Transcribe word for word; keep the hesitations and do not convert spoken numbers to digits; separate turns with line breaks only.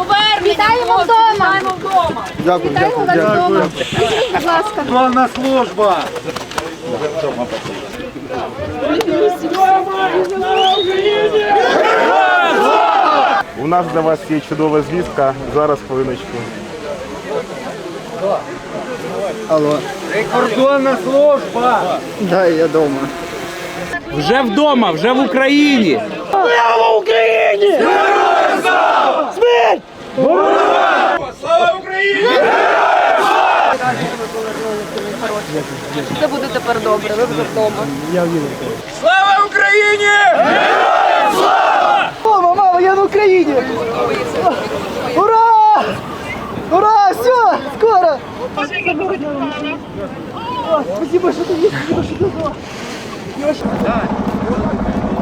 Вітаємо вдома!
Дякую,
Вітаємо вас вдома! Скажіть, будь ласка.
Славна служба!
У нас для вас є чудова звістка. Зараз, хвилиночку.
Алло. Прикордонна служба! Да, я дома.
Вже вдома, вже в Україні.
Слава Україні! Героям слава! Смерть! Слава Україні!
Це буде тепер добре, ви вже вдома.
Слава Україні! Героям слава!
Мама, мама, я на Україні! Ура! Ура! Все! Скоро! О, спасибо, что ты есть, спасибо, что ты была.